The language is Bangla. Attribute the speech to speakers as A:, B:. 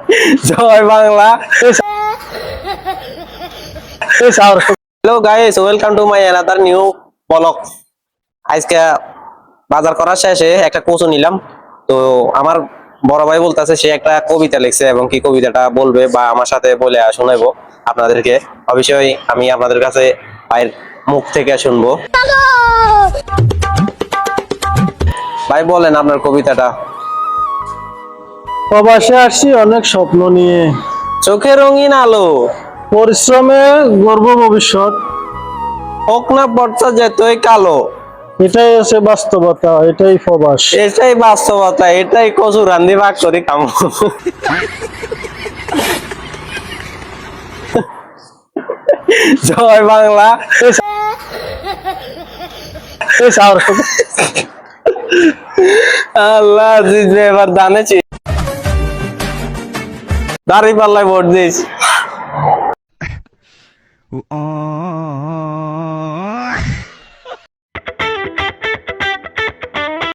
A: Joy Bangla. Hello guys, welcome to my another new vlog. আজকে বাজার করার শেষে একটা কচু নিলাম। তো আমার বড় ভাই বলতেছে সে একটা কবিতা লিখছে এবং কি কবিতাটা বলবে বা আমার সাথে বলে শোনাবো আপনাদেরকে। অবশ্যই আমি আপনাদের কাছে ভাইয়ের মুখ থেকে শুনবো। ভাই বলেন আপনার কবিতাটা।
B: প্রবাসে আসছি অনেক স্বপ্ন নিয়ে,
A: চোখে রঙিন আলো,
B: পরিশ্রমে গর্ব ভবিষ্যৎ।
A: হোক না পড়তা যেতই কালো,
B: এটাই আছে বাস্তবতা, এটাই প্রবাস।
A: এটাই বাস্তবতা, এটাই কচু রান্ধি ভাগ করি কাম। জয় বাংলা। আল্লাহ জিতবে এবার দানেছি, দাঁড়ি পাল্লায় ভোট দিস।